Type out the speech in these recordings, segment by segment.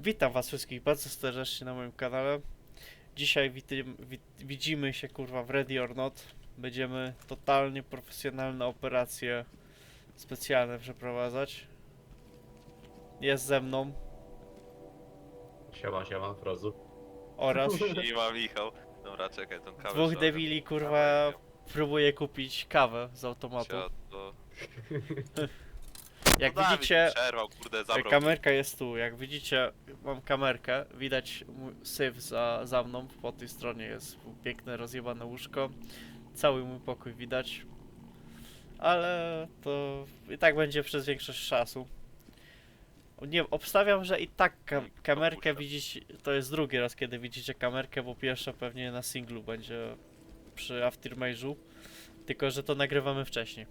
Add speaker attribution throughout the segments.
Speaker 1: Witam was wszystkich bardzo serdecznie na moim kanale. Dzisiaj widzimy się kurwa w Ready or Not. Będziemy totalnie profesjonalne operacje specjalne przeprowadzać. Jest ze mną
Speaker 2: Siema, Frozu.
Speaker 1: oraz
Speaker 3: I ma Michał. Dobra, czekaj, tą kawę
Speaker 1: dwóch
Speaker 3: trzeba
Speaker 1: debili
Speaker 3: wziąć.
Speaker 1: kurwa próbuje kupić kawę z automatu.
Speaker 3: Siadło.
Speaker 1: Jak
Speaker 3: No Dawid
Speaker 1: widzicie,
Speaker 3: mi przerwał, kurde, zabrał.
Speaker 1: kamerka jest tu. Jak widzicie, mam kamerkę. Widać syf za mną. Po tej stronie jest piękne, rozjebane łóżko. Cały mój pokój widać. Ale to i tak będzie przez większość czasu. Nie, obstawiam, że i tak kamerkę
Speaker 3: Opuszczam.
Speaker 1: widzicie. To jest drugi raz, kiedy widzicie kamerkę, bo pierwsza pewnie na singlu będzie przy Aftermage'u. Tylko, że to nagrywamy wcześniej.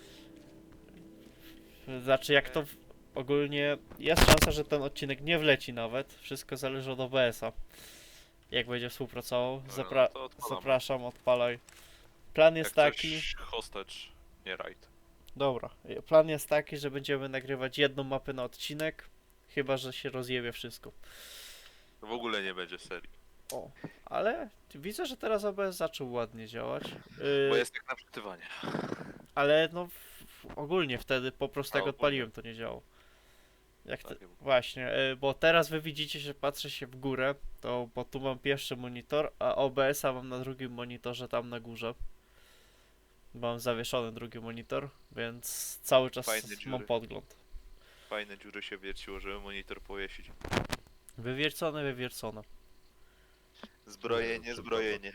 Speaker 1: Znaczy, jak to ogólnie jest szansa, że ten odcinek nie wleci nawet. Wszystko zależy od OBS-a. Jak będzie współpracował.
Speaker 3: Dobra, no to odpalamy.
Speaker 1: Zapraszam, odpalaj. Plan jest
Speaker 3: Jak
Speaker 1: taki.
Speaker 3: coś hostage, nie raid.
Speaker 1: Dobra, plan jest taki, że będziemy nagrywać jedną mapę na odcinek. Chyba że się rozjebie wszystko.
Speaker 3: To w ogóle nie będzie serii.
Speaker 1: O, ale widzę, że teraz OBS zaczął ładnie działać.
Speaker 3: Bo jest jak na wczytywanie.
Speaker 1: Ale no ogólnie wtedy po prostu jak
Speaker 3: ogólnie.
Speaker 1: odpaliłem, to nie działo. Jak te,
Speaker 3: Tak,
Speaker 1: właśnie, bo teraz wy widzicie, że patrzę się w górę, to bo tu mam pierwszy monitor, a OBS-a mam na drugim monitorze tam na górze. Mam zawieszony drugi monitor, więc cały czas
Speaker 3: Fajne
Speaker 1: mam
Speaker 3: dziury.
Speaker 1: podgląd.
Speaker 3: Fajne dziury się wierciło, żeby monitor powiesić.
Speaker 1: Wywiercone, wywiercone.
Speaker 3: Zbrojenie, zbrojenie.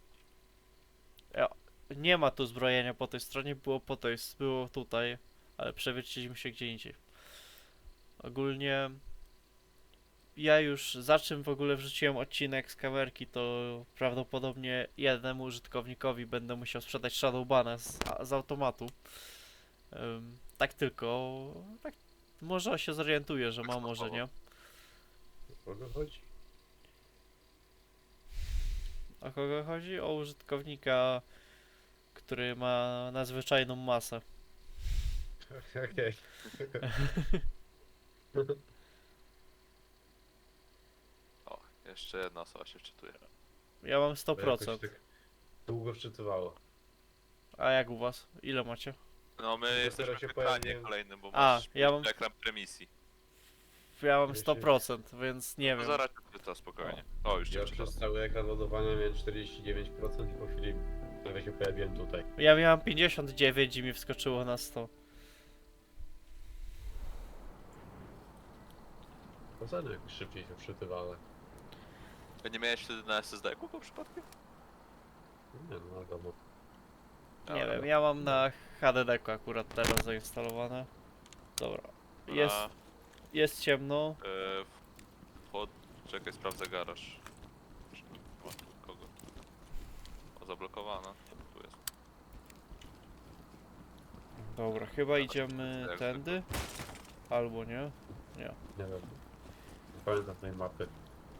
Speaker 1: Nie ma tu zbrojenia po tej stronie, było tutaj, ale przewierciliśmy się gdzie indziej. Ogólnie ja już za czym w ogóle wrzuciłem odcinek z kamerki, to prawdopodobnie jednemu użytkownikowi będę musiał sprzedać Shadowbana z automatu. Tak tylko, tak może się zorientuje, że ma, może nie.
Speaker 2: O kogo chodzi?
Speaker 1: O kogo chodzi? O użytkownika, który ma nadzwyczajną masę.
Speaker 2: Okej.
Speaker 3: O, jeszcze jedna osoba się wczytuje.
Speaker 1: Ja mam
Speaker 2: To
Speaker 1: 100%.
Speaker 2: jakoś tak długo wczytywało.
Speaker 1: A jak u was? Ile macie?
Speaker 3: No my
Speaker 2: Dopiero
Speaker 3: jesteśmy
Speaker 2: się
Speaker 3: w ekranie
Speaker 2: pojawiłem.
Speaker 3: kolejnym, bo
Speaker 1: A,
Speaker 3: masz
Speaker 1: ja mam-
Speaker 3: ekran premisji.
Speaker 1: Ja mam
Speaker 2: Jeśli-
Speaker 1: 100%, więc nie
Speaker 3: No
Speaker 1: wiem.
Speaker 3: zaraz to spokojnie. O, już cię
Speaker 2: Ja
Speaker 3: wczytał.
Speaker 2: przez cały ekran ładowania miałem 49% i po chwili nagle się pojawiłem tutaj.
Speaker 1: Ja miałem 59 i mi wskoczyło na 100.
Speaker 2: To co jakoś szybciej się wczytywało?
Speaker 3: A nie miałeś wtedy na SSD-ku po przypadku?
Speaker 2: Nie no, wiadomo.
Speaker 1: Nie
Speaker 3: Dobra.
Speaker 1: wiem, ja mam na HDD-ku akurat teraz zainstalowane. Dobra. Jest ciemno.
Speaker 3: Czekaj, sprawdzę garaż. Czy nie ma tu kogo? O, zablokowana. Tu jest.
Speaker 1: Dobra, chyba idziemy
Speaker 3: jak
Speaker 1: tędy. Albo nie. Nie.
Speaker 2: Nie wiem. Nie pamiętam tej mapy.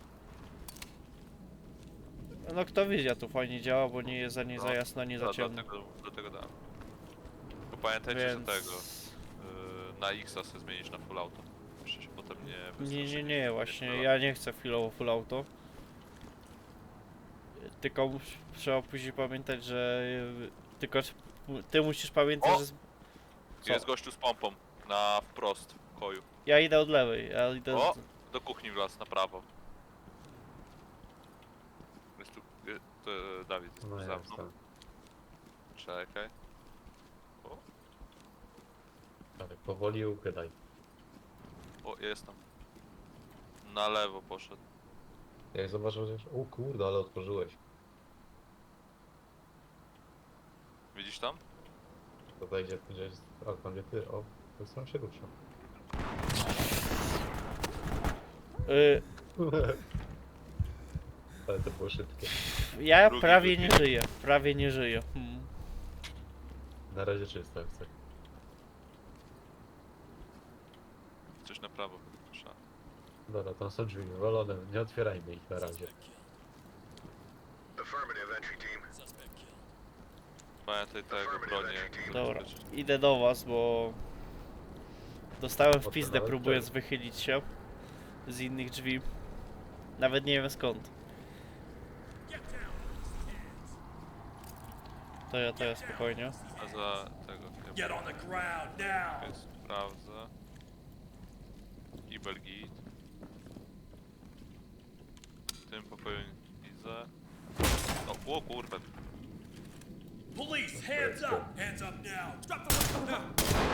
Speaker 1: No kto wie, tu fajnie działa, bo nie jest ani za
Speaker 3: No,
Speaker 1: jasno, ani za ciemno.
Speaker 3: Dlatego dałem. Bo pamiętajcie,
Speaker 1: Więc...
Speaker 3: że tego. Na X-a sobie zmienić na full auto. Jeszcze się potem nie
Speaker 1: Nie, właśnie ja nie chcę chwilowo full auto. Tylko trzeba później pamiętać, że... Tylko ty musisz pamiętać,
Speaker 3: O!
Speaker 1: że... Co?
Speaker 3: Jest gościu z pompą. Na wprost w koju.
Speaker 1: Ja idę od lewej, ja idę...
Speaker 3: O! Do kuchni w las, na prawo. Jest tu... Dawid jest
Speaker 2: No
Speaker 3: tu
Speaker 2: ja
Speaker 3: za mną.
Speaker 2: jestem.
Speaker 3: Czekaj. O!
Speaker 2: Ale powoli ukradaj.
Speaker 3: O, jest tam. Na lewo poszedł.
Speaker 2: Jak zobaczył, że... O kurde, ale otworzyłeś.
Speaker 3: Widzisz tam?
Speaker 2: To wejdzie, że jest... A tam nie ty, o. To sam się rusza. Ale to było szybkie.
Speaker 1: Ja
Speaker 3: Drugi
Speaker 1: prawie
Speaker 3: wybieg.
Speaker 1: nie żyję, prawie nie żyję.
Speaker 2: Na razie czysto jak coś.
Speaker 3: Coś na prawo. Trzeba.
Speaker 2: Dobra, tam są drzwi wywalone, nie otwierajmy ich na razie.
Speaker 3: Pamiętaj tego bronię.
Speaker 1: Dobra, idę do was, bo... Dostałem w pizdę
Speaker 2: Odpalałem
Speaker 1: próbując
Speaker 2: ten.
Speaker 1: wychylić się. z innych drzwi. Nawet nie wiem skąd. To ja spokojnie.
Speaker 3: A za tego
Speaker 4: Get on the ground now!
Speaker 3: chyba sprawdzę. I Belgit. W tym pokoju widzę. O kurwa.
Speaker 4: Police, hands up! Hands up now! Drop the weapon now!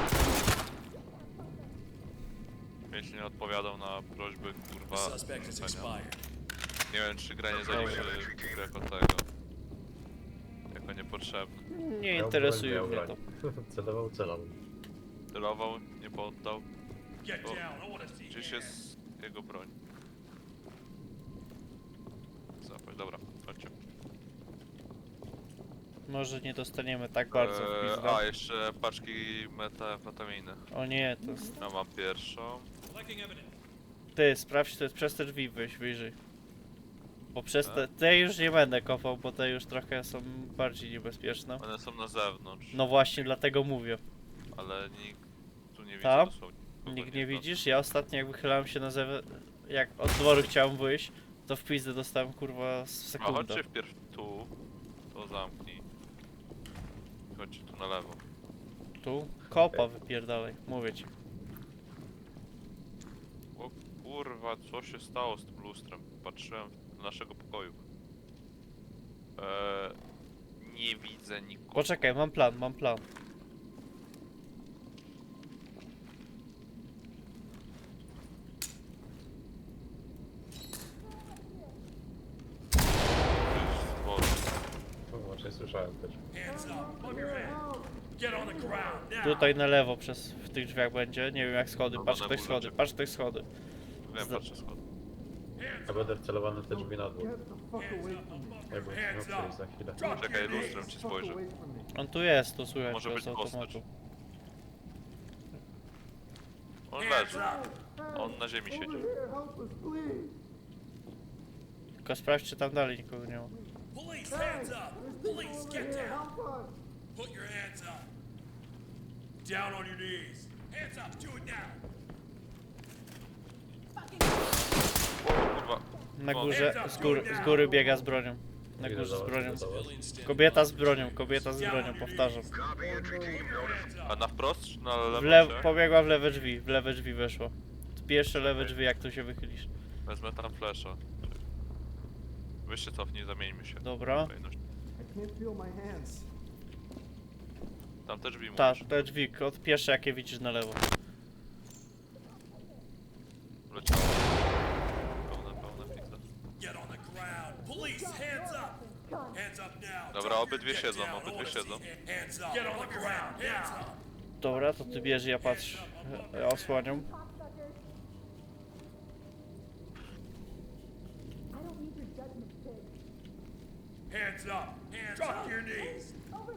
Speaker 3: Jeśli nie odpowiadał na prośby, kurwa,
Speaker 4: Suspect is
Speaker 3: rzucenia.
Speaker 4: expired.
Speaker 3: Nie wiem, czy gra nie zaliczy jako tego. Jako niepotrzebny.
Speaker 1: Nie
Speaker 2: Miał
Speaker 1: interesuje
Speaker 2: broń,
Speaker 1: mnie
Speaker 2: miał
Speaker 1: to.
Speaker 2: broń. Celował.
Speaker 3: Celował, nie poddał.
Speaker 4: Get
Speaker 3: Oh.
Speaker 4: down, I wanna see
Speaker 3: Gdzieś
Speaker 4: hands.
Speaker 3: jest jego broń. Zapaść, dobra, chodźcie.
Speaker 1: Może nie dostaniemy tak bardzo w pizdę.
Speaker 3: A, jeszcze paczki metamfetaminy.
Speaker 1: O nie, to jest...
Speaker 3: Ja mam pierwszą.
Speaker 4: Collecting evidence.
Speaker 1: Ty, sprawdź, to jest przez te drzwi wyjść wyżej. Bo przez
Speaker 3: Tak.
Speaker 1: te już nie będę kopał, bo te już trochę są bardziej niebezpieczne.
Speaker 3: One są na zewnątrz,
Speaker 1: No właśnie, dlatego mówię.
Speaker 3: ale nikt tu nie widzi
Speaker 1: Tam?
Speaker 3: dosłownie. Kogo
Speaker 1: Nikt nie
Speaker 3: wnosi.
Speaker 1: widzisz? Ja ostatnio jak wychylałem się na zewnątrz, jak od dworu chciałem wyjść, to w pizdę dostałem kurwa z
Speaker 3: A
Speaker 1: sekundę.
Speaker 3: chodźcie wpierw tu, to zamknij. Chodźcie tu na lewo.
Speaker 1: Tu? Kopa wypierdalaj, mówię ci.
Speaker 3: O kurwa, co się stało z tym lustrem? Patrzyłem do naszego pokoju. Nie widzę nikogo.
Speaker 1: Poczekaj, mam plan.
Speaker 2: Właśnie słyszałem też.
Speaker 4: Hands up, above your head. Get on the ground now!
Speaker 1: Tutaj na lewo w tych drzwiach będzie, nie wiem jak schody,
Speaker 3: No,
Speaker 1: patrz
Speaker 3: na
Speaker 1: ktoś
Speaker 3: górze
Speaker 1: schody,
Speaker 3: czekaj.
Speaker 1: patrz ktoś schody.
Speaker 3: Wiem, patrzę skąd.
Speaker 2: Ja będę wcelowany w te drzwi na dół. Jakby
Speaker 4: Hands
Speaker 2: miał
Speaker 4: up!
Speaker 2: przejść za chwilę.
Speaker 4: Drop
Speaker 3: Czekaj,
Speaker 4: your
Speaker 3: lustrem
Speaker 4: knees!
Speaker 3: ci spojrzę.
Speaker 1: On tu jest, tu słychać
Speaker 3: Może
Speaker 1: go
Speaker 3: być
Speaker 1: z automatu.
Speaker 3: postać. On
Speaker 4: Hands
Speaker 3: leży.
Speaker 4: up!
Speaker 3: On na ziemi siedzi.
Speaker 1: Tylko sprawdź czy tam dalej nikogo nie ma.
Speaker 4: Police, hands up! Police, get down! Put your hands up! Down on your knees! Hands up, do it now!
Speaker 3: O kurwa.
Speaker 1: Na
Speaker 3: O.
Speaker 1: górze, z góry biega z bronią. Na
Speaker 2: Idę
Speaker 1: górze z
Speaker 2: do was,
Speaker 1: bronią.
Speaker 2: idę do was.
Speaker 1: Kobieta z bronią, powtarzam.
Speaker 4: Hands
Speaker 3: A
Speaker 4: up!
Speaker 3: na wprost czy na lewo?
Speaker 1: Pobiegła w lewe drzwi weszła. Pierwsze lewe drzwi jak tu się wychylisz.
Speaker 3: Wezmę tam flesza. Weź się cofnij, zamieńmy się.
Speaker 1: Dobra.
Speaker 3: Kolejność.
Speaker 5: I can't feel my hands.
Speaker 3: Tam te drzwi
Speaker 1: Tak,
Speaker 3: mówisz.
Speaker 1: te drzwi, od pierwsze jakie widzisz na lewo.
Speaker 3: Leciało. Pełne pizza.
Speaker 4: Get on the ground! Police, hands up! Hands up now!
Speaker 3: Dobra,
Speaker 4: Drop
Speaker 3: obydwie
Speaker 4: your-
Speaker 3: siedzą,
Speaker 4: get down, I
Speaker 3: obydwie
Speaker 4: wanna
Speaker 3: siedzą.
Speaker 4: see hands up! Get on the ground! Hands up!
Speaker 1: Dobra, to ty bierz, ja patrzę. Ja osłaniam.
Speaker 4: Hands up! Drop your knees!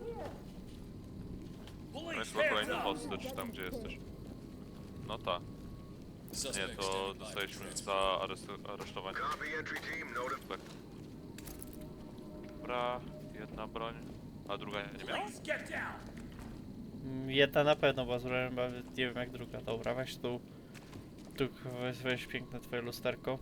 Speaker 3: No
Speaker 4: Police,
Speaker 3: jest chyba
Speaker 4: hands
Speaker 3: kolejny
Speaker 4: up!
Speaker 3: hostage tam, gdzie jesteś. No ta. Nie, to dostaliśmy za aresztowanie. Tak. Dobra, jedna broń, a druga nie miała.
Speaker 4: Police, get down!
Speaker 1: Jedna na pewno, bo zrobiłem, ale nie wiem jak druga. Dobra, weź tu. Tu weź piękne twoje lusterko.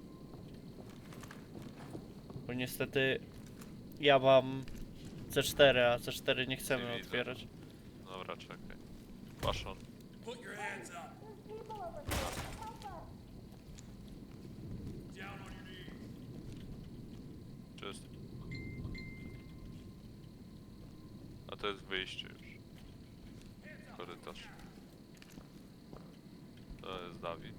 Speaker 1: Bo niestety ja mam C4, a C4 nie chcemy
Speaker 3: Nie widzę.
Speaker 1: otwierać.
Speaker 3: Dobra, czekaj. Paszon.
Speaker 4: Put your hands up! Down on your knees!
Speaker 3: Czyst. A to jest wyjście już. Korytarz. To jest Dawid.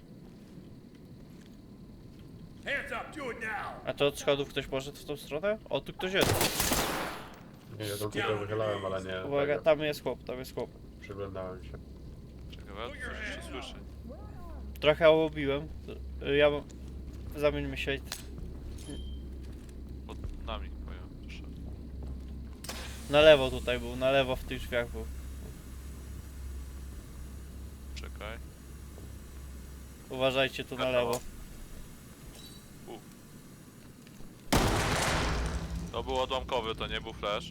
Speaker 4: Hands up, do it now!
Speaker 1: A to od schodów ktoś poszedł w tą stronę? O, tu ktoś jest.
Speaker 2: Nie, ja to tylko wychylałem, ale nie.
Speaker 1: Uwaga,
Speaker 2: tego.
Speaker 1: tam jest chłop.
Speaker 2: Przyglądałem się.
Speaker 3: Czekaj, ja coś jeszcze słyszę.
Speaker 1: Trochę obiłem. Ja mam... Zamieńmy się.
Speaker 3: Pod nami powiem, proszę.
Speaker 1: Na lewo tutaj był, na lewo w tych drzwiach był.
Speaker 3: Czekaj.
Speaker 1: Uważajcie tu na
Speaker 3: Wiadomo.
Speaker 1: lewo.
Speaker 3: To był odłamkowy, to nie był flash.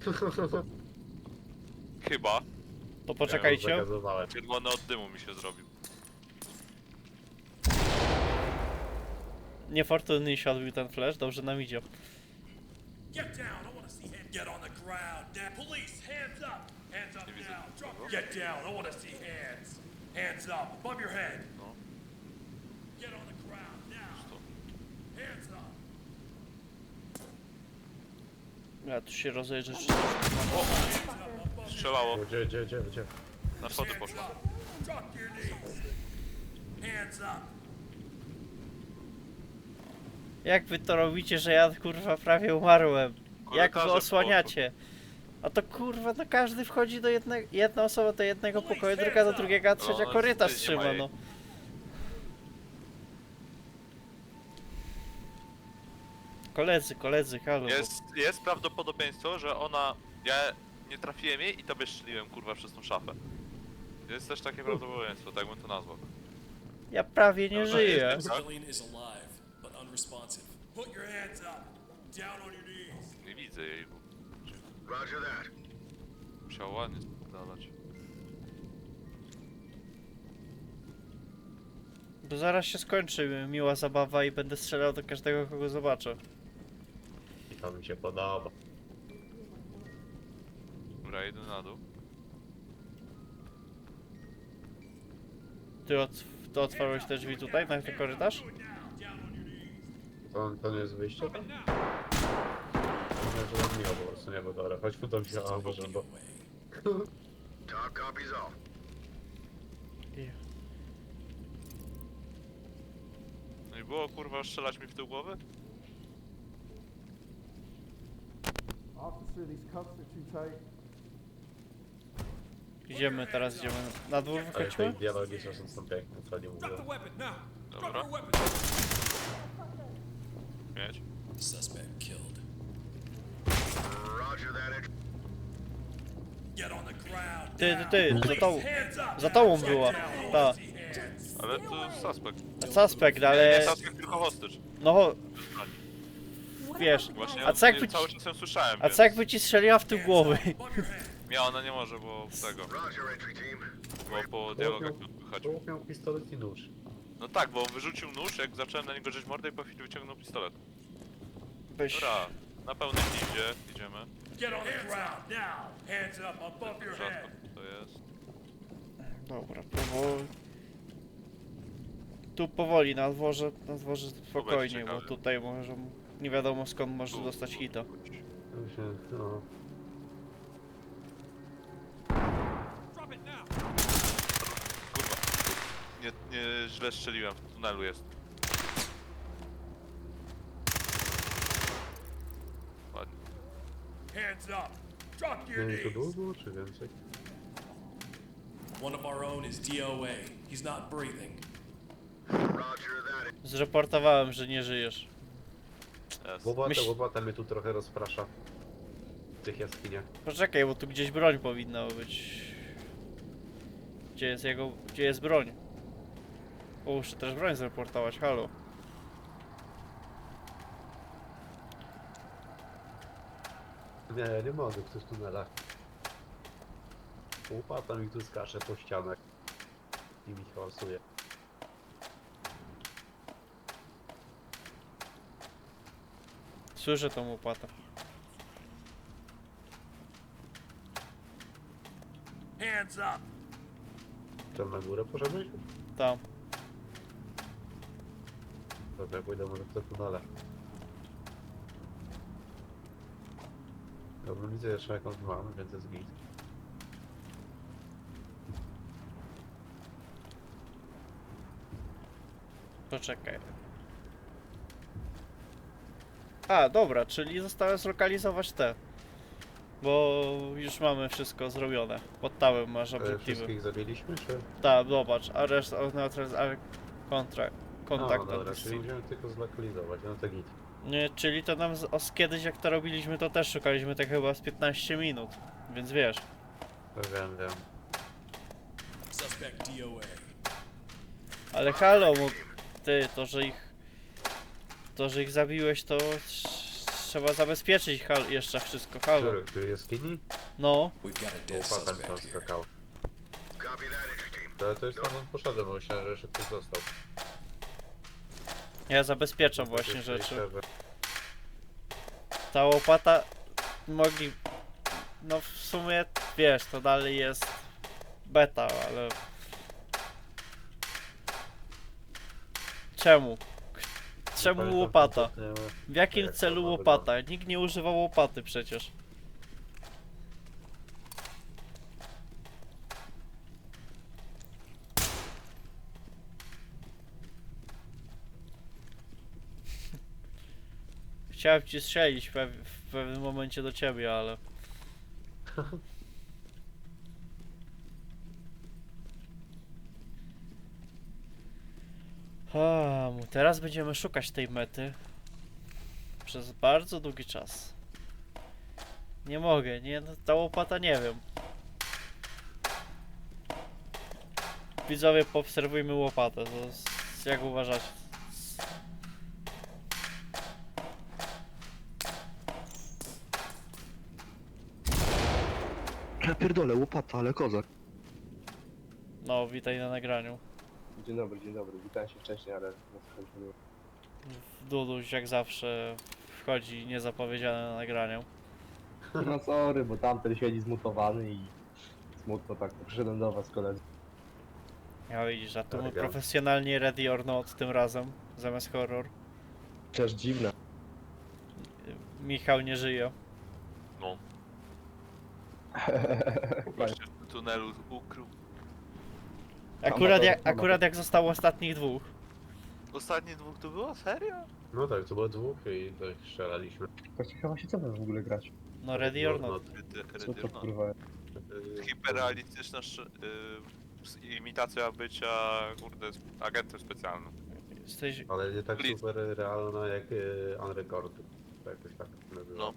Speaker 3: Chyba.
Speaker 1: To poczekajcie.
Speaker 2: Ja zagazowałem.
Speaker 3: Czerwony od dymu mi się zrobił.
Speaker 1: Niefortunnie się odbił ten flash, dobrze nam idzie.
Speaker 4: Get down. I want to see hands. Get on the ground. Now, police, hands up. Hands up
Speaker 3: Nie widzę
Speaker 4: now. Drop.
Speaker 3: nikogo.
Speaker 4: Get down. I want to see hands. Hands up above your head.
Speaker 3: No.
Speaker 4: Get on the ground now. Hands up.
Speaker 1: Ja tu się rozejrzę, czy...
Speaker 3: Strzelało.
Speaker 2: Gdzie?
Speaker 3: Na schody
Speaker 4: Hands
Speaker 3: poszło.
Speaker 4: up. Drop your knees. Hands up.
Speaker 1: Jak wy to robicie, że ja kurwa prawie umarłem? Jak wy
Speaker 3: Korytarzem
Speaker 1: osłaniacie? A to kurwa, no każdy wchodzi do jednego, jedna osoba do jednego pokoju, druga do drugiego, a trzecia
Speaker 3: No,
Speaker 1: korytarz
Speaker 3: nie ma
Speaker 1: trzyma,
Speaker 3: jej.
Speaker 1: no. Koledzy, halo.
Speaker 3: Jest prawdopodobieństwo, że ona... Ja nie trafiłem jej i tobie strzeliłem kurwa przez tą szafę. Jest też takie prawdopodobieństwo, tak bym to nazwał.
Speaker 1: Ja prawie nie
Speaker 3: Dobra,
Speaker 1: żyję.
Speaker 3: jest-
Speaker 6: Civilian is alive, but unresponsive.
Speaker 4: Put your hands up. Down on your knees.
Speaker 3: Nie widzę jej.
Speaker 7: Roger that.
Speaker 3: Musiał ładnie spalać.
Speaker 1: Bo zaraz się skończy miła zabawa i będę strzelał do każdego, kogo zobaczę.
Speaker 2: I to mi się podoba.
Speaker 3: Dobra, idę na dół.
Speaker 1: Ty otworzyłeś te drzwi tutaj, na ten korytarz?
Speaker 2: To nie jest wyjście tam? Może miło po prostu, nie, bo dobra, chodź tu do mnie, o Boże, bo...
Speaker 7: Talk copies all.
Speaker 3: No i było kurwa strzelać mi w tył głowy?
Speaker 5: Officer, these cuffs are too tight.
Speaker 1: Idziemy na dwór
Speaker 2: Ale te
Speaker 1: wychodzimy?
Speaker 2: dialogi czasem są piękne, co nie mówię.
Speaker 4: Drop the weapon now. Drop
Speaker 3: Dobra.
Speaker 4: your weapon.
Speaker 3: Mieć.
Speaker 6: Suspect killed.
Speaker 7: Roger that.
Speaker 4: Get on the ground.
Speaker 1: Ty,
Speaker 4: Hands up.
Speaker 1: za tobą była,
Speaker 4: Down. I
Speaker 1: ta,
Speaker 4: wanna see hands.
Speaker 3: Ale to suspekt.
Speaker 1: suspekt,
Speaker 3: Nie
Speaker 1: ale,
Speaker 3: suspekt, tylko hostage.
Speaker 1: no, wiesz,
Speaker 3: Właśnie
Speaker 1: a co jakby
Speaker 3: cały czas ją słyszałem,
Speaker 1: a
Speaker 3: więc...
Speaker 1: co jakby ci strzeliła w tył głowy?
Speaker 4: Above your head.
Speaker 3: Nie, ona nie może, bo tego.
Speaker 7: Roger, entry team.
Speaker 3: Bo po dialogach nie odpychać.
Speaker 2: Człowiek miał pistolet i nóż.
Speaker 3: No tak, bo on wyrzucił nóż, jak zacząłem na niego drzeć mordę i po chwili wyciągnął pistolet.
Speaker 1: Weź,
Speaker 3: Dobra, na pełnym idzie, idziemy.
Speaker 4: Get on the ground now. Hands up above your
Speaker 3: Rzadko
Speaker 4: head.
Speaker 3: to jest.
Speaker 1: dobra, powoli. Tu powoli, na dworze spokojnie, bo
Speaker 3: ciekawie.
Speaker 1: tutaj może, nie wiadomo skąd może dostać hita.
Speaker 2: To się, no...
Speaker 4: Drop it now.
Speaker 3: Kurwa. Nie źle strzeliłem, w tunelu jest. Ładnie.
Speaker 4: Hands up. Drop your
Speaker 2: Nie, to
Speaker 4: knees.
Speaker 2: długo, czy więcej?
Speaker 6: One of our own is DOA. He's not breathing.
Speaker 7: Roger that.
Speaker 1: Zreportowałem, że nie żyjesz.
Speaker 3: Jest.
Speaker 2: Łopata mnie tu trochę rozprasza. W tych jaskiniach.
Speaker 1: Poczekaj, bo tu gdzieś broń powinna być. Gdzie jest broń? O, muszę też broń zreportować, halo.
Speaker 2: Nie mogę w tych tunelach. Łopata mi tu skacze po ścianach. I mi hałasuje.
Speaker 1: Słyszę tą łopatę.
Speaker 4: Hands up.
Speaker 2: Tam na górę poszedłeś?
Speaker 1: Tam.
Speaker 2: Dobra, ja pójdę może w te tunele. Dobra, widzę jeszcze jakąś mam, więc jest git.
Speaker 1: Poczekaj. A, dobra, czyli zostałem zlokalizować te. Bo już mamy wszystko zrobione. Pod tałem masz obiektywy.
Speaker 2: Wszystkich zabiliśmy, czy?
Speaker 1: Tak, zobacz, arrest of neutralized kontakt
Speaker 2: No dobra,
Speaker 1: at the
Speaker 2: czyli
Speaker 1: scene.
Speaker 2: musimy tylko zlokalizować, no to git.
Speaker 1: Nie, czyli to nam kiedyś jak to robiliśmy, to też szukaliśmy tak chyba z 15 minut. Więc wiesz.
Speaker 2: Wiem.
Speaker 6: Suspect DOA.
Speaker 1: Ale halo, ty, to, że ich zabiłeś, to trzeba zabezpieczyć jeszcze wszystko, halo.
Speaker 2: Tu jaskini?
Speaker 1: No,
Speaker 6: We've got a dead
Speaker 2: Łopata mi tam
Speaker 6: suspect here.
Speaker 2: skakała.
Speaker 7: Copy that, entry team.
Speaker 2: To jest tam on poszedłem, bo myślałem, że jeszcze ktoś został.
Speaker 1: Ja zabezpieczam
Speaker 2: No,
Speaker 1: właśnie
Speaker 2: jest
Speaker 1: rzeczy.
Speaker 2: serwer.
Speaker 1: Ta łopata mogli... No w sumie, wiesz, to dalej jest beta, ale... Czemu? Czemu
Speaker 2: Pamiętam
Speaker 1: łopata?
Speaker 2: kompletnie,
Speaker 1: W jakim
Speaker 2: jak
Speaker 1: celu
Speaker 2: ona
Speaker 1: łopata? Nikt nie używał łopaty przecież. Chciałem ci strzelić w pewnym momencie do ciebie, ale... Teraz będziemy szukać tej mety przez bardzo długi czas. Nie mogę, nie, no, ta łopata nie wiem. Widzowie, poobserwujmy łopatę, to jak uważacie?
Speaker 8: Ja pierdolę, łopata, ale kozak.
Speaker 1: No, witaj na nagraniu.
Speaker 8: Dzień dobry, witam się wcześniej, ale no słuchajcie, było.
Speaker 1: Duduś jak zawsze wchodzi niezapowiedziane na nagraniu.
Speaker 8: No sorry, bo tamten siedzi zmutowany i smutno tak, przyszedłem do was koledzy.
Speaker 1: Ja widzisz, a tu my
Speaker 2: Elegancko.
Speaker 1: profesjonalnie ready or not tym razem, zamiast horror.
Speaker 8: Też dziwne.
Speaker 1: Michał nie żyje.
Speaker 3: No. Goście w tunelu ukrył.
Speaker 1: Akurat jak zostało ostatnich dwóch.
Speaker 3: Ostatnie dwóch to było? Serio?
Speaker 2: No tak, to było dwóch i tak strzelaliśmy.
Speaker 8: Właśnie chyba się co wy w ogóle grać?
Speaker 1: No ready or not.
Speaker 8: Co to kurwa?
Speaker 3: Hiperrealistyczna imitacja bycia, kurde, agentem specjalnym.
Speaker 1: Jesteś...
Speaker 2: Ale nie tak
Speaker 3: Blitz.
Speaker 2: super realna jak Unrecorded. To jakoś tak nazywa.
Speaker 3: No.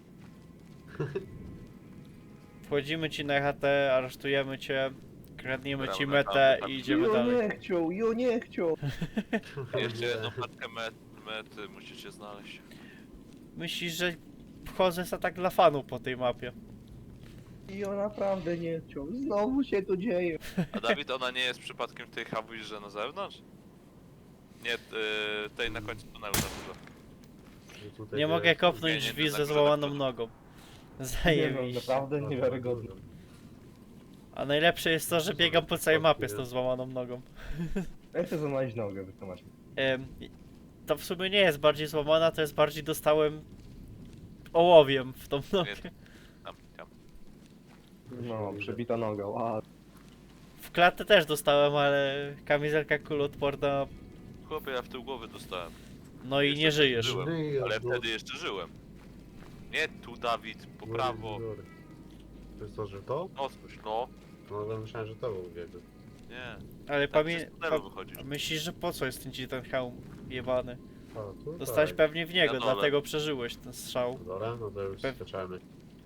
Speaker 1: Wchodzimy ci na HT, aresztujemy cię, kradniemy ci
Speaker 3: Dobra,
Speaker 1: metę
Speaker 3: tak.
Speaker 1: i idziemy dalej.
Speaker 8: Jo nie chciał!
Speaker 3: Jeszcze jedną paczkę mety musicie znaleźć.
Speaker 1: Myślisz, że wchodzę za tak dla fanów po tej mapie.
Speaker 8: Jo naprawdę nie chciał, znowu się to dzieje.
Speaker 3: A Dawid, ona nie jest przypadkiem tej Hawujże na zewnątrz? Nie, tej na końcu tunelu na górze.
Speaker 2: Że tutaj
Speaker 1: Nie mogę
Speaker 2: jest-
Speaker 1: kopnąć
Speaker 3: nie,
Speaker 1: drzwi
Speaker 3: nie,
Speaker 1: ze
Speaker 3: tak,
Speaker 1: złamaną
Speaker 3: tak.
Speaker 1: nogą.
Speaker 8: Nie no,
Speaker 1: Zajebiście.
Speaker 8: naprawdę niewiarygodne.
Speaker 1: A najlepsze jest to, że biegam po całej mapie z tą złamaną nogą.
Speaker 8: Ja chcę złamać nogę, wytłumaczmy.
Speaker 1: To w sumie nie jest bardziej złamana, to jest bardziej dostałem ołowiem w tą nogę.
Speaker 3: Tam.
Speaker 8: No, przebita noga, a
Speaker 1: W klatę też dostałem, ale kamizelka kuloodporna,
Speaker 3: Chłopie, ja w tył głowy dostałem.
Speaker 1: no i nie
Speaker 3: Jeszcze
Speaker 1: żyjesz.
Speaker 3: żyłem.
Speaker 2: Żyję,
Speaker 3: Ale
Speaker 2: no.
Speaker 3: wtedy jeszcze żyłem. Nie tu, Dawid, po prawo.
Speaker 2: To jest to, że to?
Speaker 3: Odpuść, no.
Speaker 2: No to myślałem, że to był biegu.
Speaker 3: Nie.
Speaker 1: Ale
Speaker 3: Tak przez tunelu wychodzisz.
Speaker 1: myślisz, że po co jest ten hełm jebany?
Speaker 2: A, tu
Speaker 1: Dostałeś
Speaker 2: tak.
Speaker 1: pewnie w niego,
Speaker 3: Na dole.
Speaker 1: dlatego przeżyłeś ten strzał.
Speaker 2: Dobra, no to już
Speaker 1: Pe-
Speaker 2: skaczamy.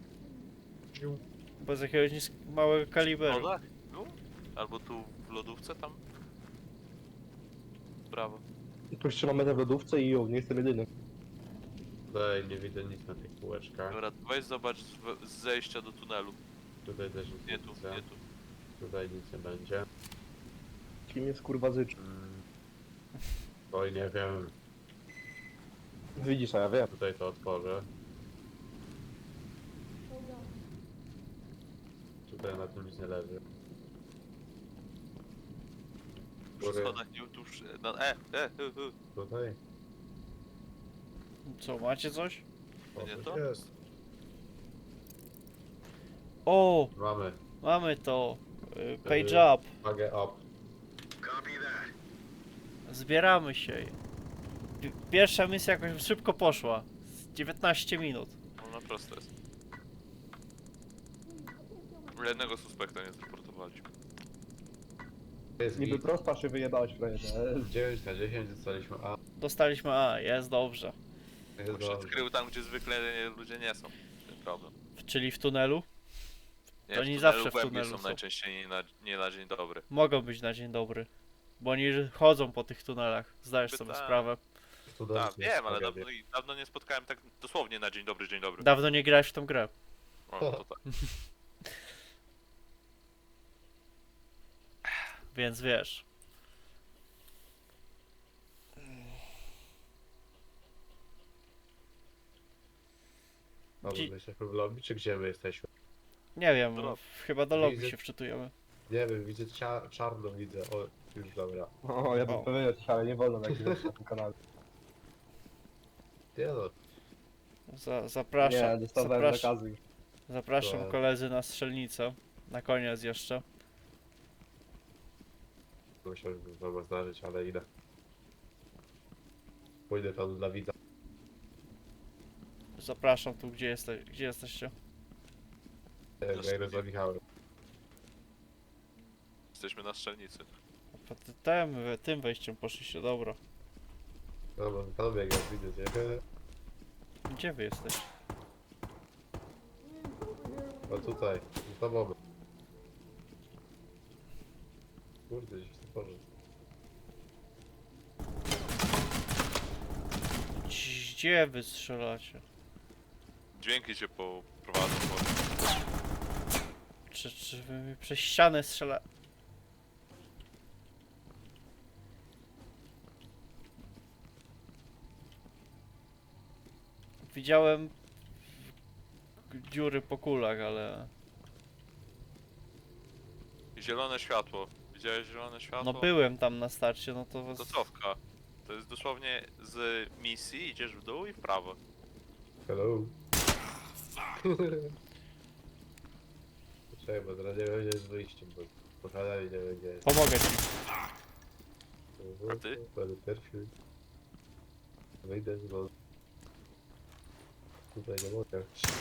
Speaker 1: Bo z jakiegoś małego
Speaker 3: W
Speaker 1: kalibru.
Speaker 3: lodach? Tu? Albo tu w lodówce tam? Brawo.
Speaker 8: tu trzymamy w lodówce i jo, nie jestem jedyny.
Speaker 2: Tutaj nie widzę nic na tych półeczkach.
Speaker 3: Dobra, weź zobacz z zejścia do tunelu.
Speaker 2: Tutaj też nic
Speaker 3: Nie tu,
Speaker 2: widzę.
Speaker 3: nie tu.
Speaker 2: Tutaj nic nie będzie.
Speaker 8: Kim jest kurwa zycz?
Speaker 2: Oj, nie wiem.
Speaker 8: Widzisz, a ja wiem.
Speaker 2: Tutaj to otworzę. Tutaj na tym nic nie leży.
Speaker 3: Przy schodach nie tu.
Speaker 2: Tutaj?
Speaker 1: Co, macie coś?
Speaker 2: O,
Speaker 3: Nie
Speaker 2: coś
Speaker 3: to?
Speaker 2: jest.
Speaker 1: O,
Speaker 2: Mamy.
Speaker 1: mamy to. Page up.
Speaker 2: Pagę up.
Speaker 7: Copy that.
Speaker 1: Zbieramy się. Pierwsza misja jakoś szybko poszła. Z 19 minut.
Speaker 3: No proste jest. Jednego suspekta nie zreportowaliśmy.
Speaker 2: Jest
Speaker 8: Niby
Speaker 2: git.
Speaker 8: prosta się wyjebałeś frajerze.
Speaker 2: 9 na 10 dostaliśmy A.
Speaker 1: Dostaliśmy A, jest dobrze.
Speaker 2: Jest
Speaker 3: On się
Speaker 2: dobrze.
Speaker 3: skrył tam, gdzie zwykle ludzie nie są. Ten problem.
Speaker 1: Czyli w tunelu?
Speaker 3: Nie,
Speaker 1: To
Speaker 3: w
Speaker 1: nie
Speaker 3: tunelu
Speaker 1: zawsze w
Speaker 3: głębiej
Speaker 1: tunelu
Speaker 3: są
Speaker 1: są.
Speaker 3: najczęściej nie na dzień dobry.
Speaker 1: Mogą być na dzień dobry. Bo oni chodzą po tych tunelach. Zdajesz sobie
Speaker 3: Pytałem.
Speaker 1: sprawę.
Speaker 2: Studenci
Speaker 3: Tak, wiem, ale
Speaker 2: tragedię.
Speaker 3: dawno nie spotkałem tak dosłownie na dzień dobry, dzień dobry.
Speaker 1: Dawno nie grałeś w tą grę.
Speaker 3: O, to tak.
Speaker 1: Więc wiesz.
Speaker 2: A my jesteśmy w lobby, czy gdzie my jesteśmy?
Speaker 1: Nie wiem,
Speaker 3: Do lobby.
Speaker 1: chyba do lobby
Speaker 2: Widzę-
Speaker 1: się wczytujemy.
Speaker 2: Nie wiem, widzę czarno, widzę. O, już dobra.
Speaker 8: O, ja bym
Speaker 1: O.
Speaker 8: powiedział coś, ale nie wolno nagrywać na tym kanale.
Speaker 2: Nie no,
Speaker 1: Zapraszam,
Speaker 8: Nie, dostawałem zakazy.
Speaker 1: zapraszam
Speaker 2: To-
Speaker 1: koledzy na strzelnicę. Na koniec jeszcze.
Speaker 2: musiałem wam zdarzyć, ale idę. Pójdę tam dla widza.
Speaker 1: Zapraszam tu, gdzie jesteście.
Speaker 2: Nie wiem, ja idę za Michałem.
Speaker 3: Jesteśmy na strzelnicy.
Speaker 1: Tym wejściem poszliście, dobra.
Speaker 2: Dobra, tam biegam, widzę cię.
Speaker 1: Gdzie wy jesteście?
Speaker 2: A tutaj, za moment. Kurde, gdzieś tu poszedł.
Speaker 1: Gdzie wy strzelacie?
Speaker 3: Dźwięki cię poprowadzą.
Speaker 1: Czy wy mi przez ścianę strzela... Widziałem dziury po kulach, ale...
Speaker 3: Zielone światło. Widziałeś zielone światło?
Speaker 1: No byłem tam na starcie, no to was...
Speaker 3: To cofka. To jest dosłownie z misji, idziesz w dół i w prawo.
Speaker 2: Hello. Czekaj, bo teraz nie wiem, gdzie jest wyjściem, bo pochadali nie wiem, gdzie jest.
Speaker 1: Pomogę ci.
Speaker 3: A ty?
Speaker 2: Będę pierwszy. Wyjdę, bo... Tutaj nie mogę.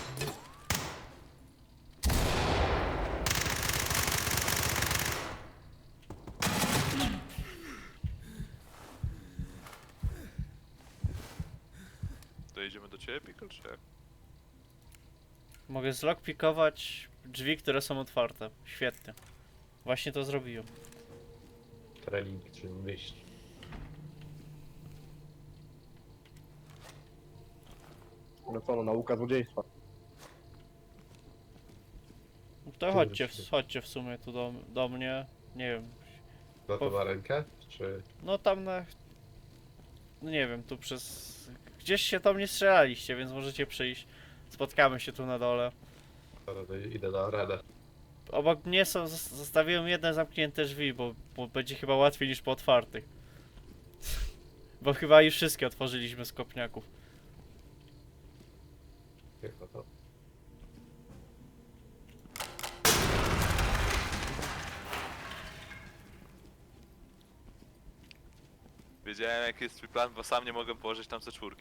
Speaker 3: To idziemy do ciebie, Pickle, czy jak?
Speaker 1: Mogę zlockpikować drzwi, które są otwarte. Świetnie. Właśnie to zrobiłem.
Speaker 2: Trening czy myśl.
Speaker 8: No co, no nauka złodziejstwa.
Speaker 1: To chodźcie w sumie tu do mnie. Nie wiem.
Speaker 2: Na to na rękę? Czy...
Speaker 1: No tam na... No nie wiem, tu przez... Gdzieś się tam nie strzelaliście, więc możecie przyjść. Spotkamy się tu na dole.
Speaker 2: Dobra, to idę na arenę.
Speaker 1: Obok mnie zostawiłem jedne zamknięte drzwi, bo będzie chyba łatwiej niż po otwartych. Bo chyba już wszystkie otworzyliśmy z kopniaków.
Speaker 2: Chyba to.
Speaker 3: Wiedziałem jaki jest twój plan, bo sam nie mogę położyć tam C4.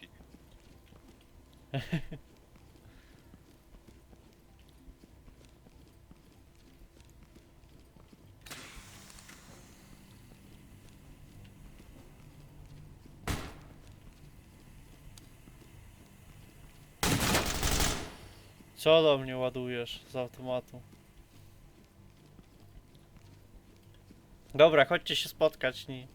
Speaker 1: Co do mnie ładujesz z automatu? Dobra, chodźcie się spotkać, nie?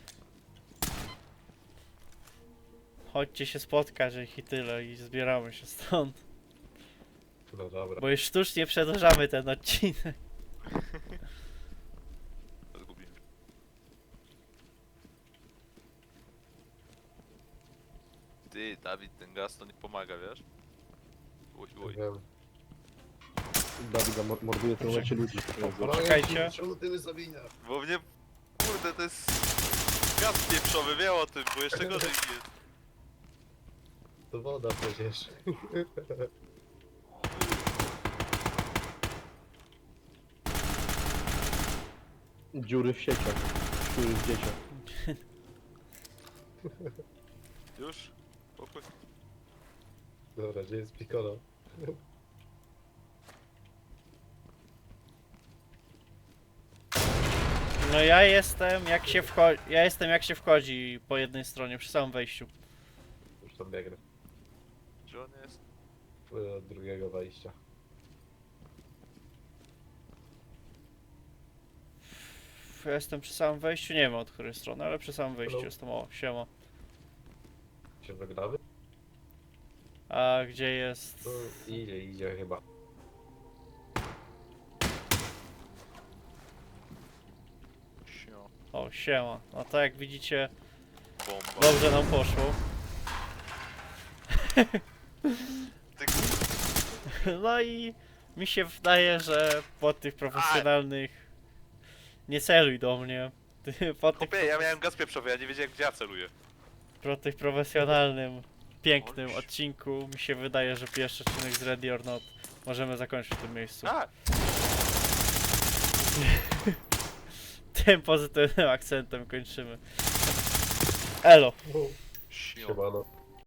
Speaker 1: Chodźcie się spotkać i tyle i zbieramy się stąd.
Speaker 2: No dobra.
Speaker 1: Bo już sztucznie przedłużamy ten odcinek.
Speaker 3: Zgubiłem. Ty, Dawid, ten gaz to nie pomaga, wiesz? Uj, uj.
Speaker 2: Wiem.
Speaker 8: Dawid morduje w tym momencie ludzi.
Speaker 1: Czekajcie.
Speaker 2: Czemu ty wysobienia?
Speaker 3: Bo mnie... Kurde, to jest... Gaz pieprzowy, wie o tym, bo jeszcze gorzej mi jest.
Speaker 2: To woda przecież.
Speaker 8: Dziury w sieciach. Dziury w dzieciach.
Speaker 3: Już? Pokój.
Speaker 2: Dobra, gdzie jest Piccolo?
Speaker 1: No ja jestem jak się wchodzi po jednej stronie przy samym wejściu.
Speaker 2: Już tam biegnę.
Speaker 3: Gdzie on jest?
Speaker 2: Płynę od drugiego wejścia.
Speaker 1: Ja jestem przy samym wejściu, nie wiem od której strony, ale przy samym wejściu
Speaker 2: Hello.
Speaker 1: jestem. O, siema.
Speaker 2: Się wygramy?
Speaker 1: A gdzie jest...
Speaker 2: No, idzie chyba.
Speaker 3: Sio.
Speaker 1: O, siema. No to jak widzicie,
Speaker 3: Bomba.
Speaker 1: dobrze nam poszło.
Speaker 3: Ty
Speaker 1: No i mi się wydaje, że po tych profesjonalnych... Nie celuj do mnie. Po tych,
Speaker 3: Chłopie, ja miałem gaz pieprzowy, ja nie wiedziałem gdzie ja celuję.
Speaker 1: po tych profesjonalnym, pięknym
Speaker 3: Oj.
Speaker 1: odcinku mi się wydaje, że pierwszy odcinek z Ready or Not możemy zakończyć w tym miejscu.
Speaker 3: Tak.
Speaker 1: Tym pozytywnym akcentem kończymy. Elo!
Speaker 3: Sio.
Speaker 2: Siemano.